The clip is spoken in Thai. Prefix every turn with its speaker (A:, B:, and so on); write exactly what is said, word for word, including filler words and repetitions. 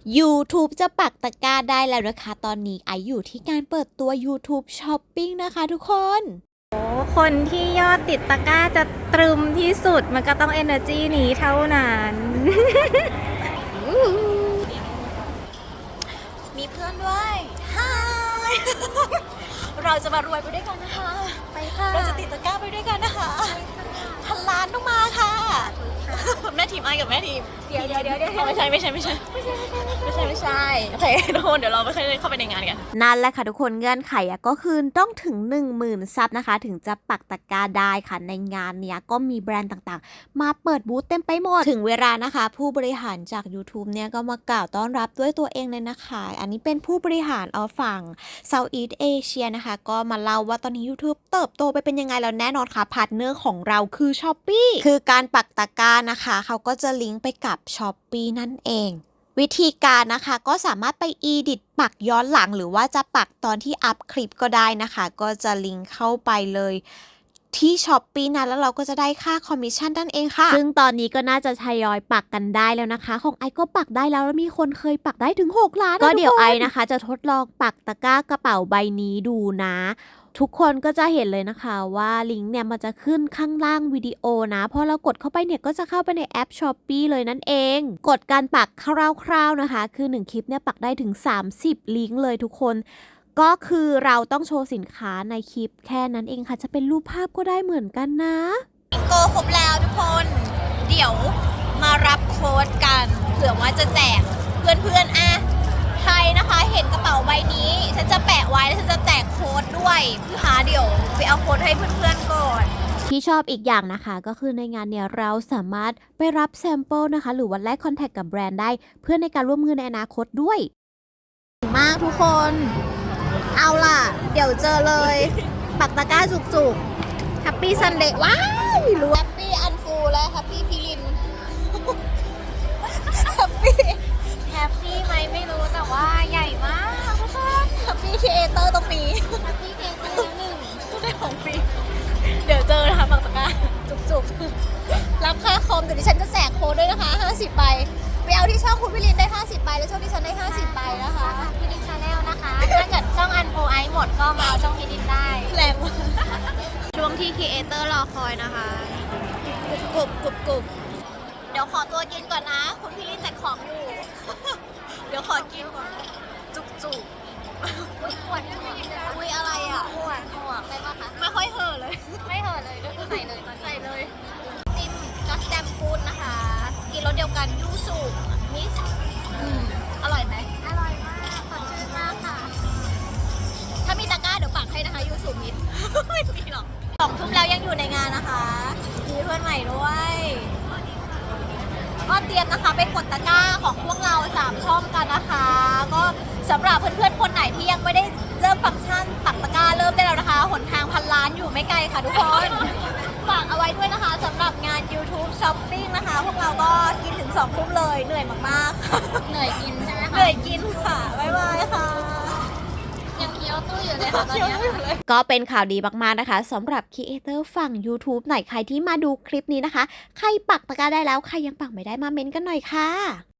A: YouTube จะปักตะกร้าได้แล้วนะคะตอนนี้ไออยู่ที่การเปิดตัว YouTube Shopping นะคะทุกคน
B: คนที่ยอดติดตะกร้าจะตรึมที่สุดมันก็ต้อง Energy นี้เท่านั้น
A: มีเพื่อนด้วยฮายเราจะมารวยไปด้วยกันนะคะ
B: ไปค่ะ
A: เราจะติดตะกร้าไปด้วยกันนะคะพันล้านต้องมาค่ะแม่ทีมไอกับแม่ทีม
B: เดี๋ยวเดี๋ยวเดี๋ยวเดี๋ยว
A: ไม่ใช่ไม่ใช่ไม่ใช่ไม่ใช่ไม่ใช่ไม่ใช่โอเคทุกคนเดี๋ยวเราไปเข้าไปในงานกันนั่นแหละค่ะทุกคนเงื่อนไขอะก็คือต้องถึง หนึ่งหมื่น ซับนะคะถึงจะปักตะกร้าได้ค่ะในงานเนี้ยก็มีแบรนด์ต่างๆมาเปิดบูธเต็มไปหมดถึงเวลานะคะผู้บริหารจาก YouTube เนี่ยก็มากล่าวต้อนรับด้วยตัวเองเลยนะคะอันนี้เป็นผู้บริหารเอาฝั่ง Southeast Asia นะคะก็มาเล่าว่าตอนนี้ YouTube เติบโตไปเป็นยังไงแล้วแน่นอนค่ะพาร์ทเนอร์ของเราคือ Shopee คือการปักตะกร้านะคะเขาก็จะลิงก์ไปกับ Shopee นั่นเองวิธีการนะคะก็สามารถไป edit ปักย้อนหลังหรือว่าจะปักตอนที่อัพคลิปก็ได้นะคะก็จะลิงก์เข้าไปเลยที่ Shopee นะแล้วเราก็จะได้ค่าคอมมิชชั่นนั่นเองค่ะซึ่งตอนนี้ก็น่าจะทยอยปักกันได้แล้วนะคะของไอก็ปักได้แล้วแล้วมีคนเคยปักได้ถึงหกล้านก็เดี๋ยวไอนะคะจะทดลองปักตะกร้ากระเป๋าใบนี้ดูนะทุกคนก็จะเห็นเลยนะคะว่าลิงก์เนี่ยมันจะขึ้นข้างล่างวิดีโอนะพอเรากดเข้าไปเนี่ยก็จะเข้าไปในแอป Shopee เลยนั่นเองกดการปักคร่าวๆนะคะคือหนึ่งคลิปเนี่ยปักได้ถึงสามสิบลิงก์เลยทุกคนก็คือเราต้องโชว์สินค้าในคลิปแค่นั้นเองค่ะจะเป็นรูปภาพก็ได้เหมือนกันนะโกครบแล้วทุกคนเดี๋ยวมารับโค้ดกันเผื่อว่าจะแจกเพื่อนๆอ่ะใครนะคะเห็นกระเป๋าใบนี้ฉันจะแปะไว้แล้วฉันจะแจกโค้ดด้วยพี่หาเดี๋ยวไปเอาโค้ดให้เพื่อนๆก่อนที่ชอบอีกอย่างนะคะก็คือในงานเนี่ยเราสามารถไปรับแซมเปิลนะคะหรือว่าแลกคอนแทคกับแบรนด์ได้เพื่อในการร่วมมือในอนาคตด้วยมากทุกคนเอาล่ะเดี๋ยวเจอเลยปักตะกร้าจุกๆแฮปปี้ซันเดย์ว้าวรู้แฮปปี้อันฟูและแฮปปี้พิลินแฮปปี้
B: แฮปปี้ไหมไม่รู้แต่ว่าใหญ่มากทุกคน
A: แฮปปี้ครีเอเตอร์ตรงนี้
B: แฮปปี้เกเตอร์หนึ่ง
A: ได้ของฟรีเดี๋ยวเจอนะคะปักตะกร้าจุกๆรับค่าคอมเดี๋ยวดิฉันจะแจกโค้ดด้วยนะคะห้าสิบใบไปเอาที่ช่องคุณพิลินได้ห้าสิบใบแล้วช่องดิฉันได้ห้าสิบใบนะคะ
B: พี่ดินชาแนลนะคะถ้าเกิดช่องอันโฟไอหมดก็มาเอาช่องพี่ดินได้
A: แรงมากช่วงที่ครีเอเตอร์รอคอยนะคะกรุบกรุบกรุบเดี๋ยวขอตัวกินก่อนนะคุณพิลินแจกของอยู่เดี๋ยวขอกินก่อนจุกจุก
B: ปวดไม่กินเลย
A: อุ้ยอะไรอ่ะ
B: ปวดปวดไปปะคะ
A: ไม่ค่อยเห่อเลย
B: ไม่เห่อเลยก็คือใส่เลยตอน
A: ใส่เลยติมจัสแจมฟูดนะคะกินรสเดียวกันยูสุมิสอร่อยไหม
B: อร่อยมากสดชื่นมากค่ะ
A: ถ้ามีตะกร้าเดี๋ยวปักให้นะคะยูสุมิสไม่มีหรอกสองทุ่มแล้วยังอยู่ในงานนะคะมีเพื่อนใหม่ด้วยก็เตรียมนะคะไปกดตะกร้าของพวกเราสามช่องกันนะคะก็สำหรับเพื่อนๆคนไหนที่ยังไม่ได้เริ่มฟังก์ชันปักตะกร้าเริ่มได้แล้วนะคะหนทางพันล้านอยู่ไม่ไกลค่ะทุกคนฝากเอาไว้ด้วยนะคะสำหรับงาน YouTube Shopping นะคะพวกเราก็กินถึงสองทุ่มเลยเหนื่อยมาก
B: ๆเหนื่อยกินใช่ไหมคะ
A: เหนื่อยกินค่ะบ๊ายบายค่ะ
B: ยังเคี้ยวตู้อยู่เลยค่ะตอนนี้
A: ก็เป็นข่าวดีมากๆนะคะสำหรับครีเอเตอร์ฝั่ง YouTube ไหนใครที่มาดูคลิปนี้นะคะใครปักตะกร้าได้แล้วใครยังปักไม่ได้มาเม้นกันหน่อยค่ะ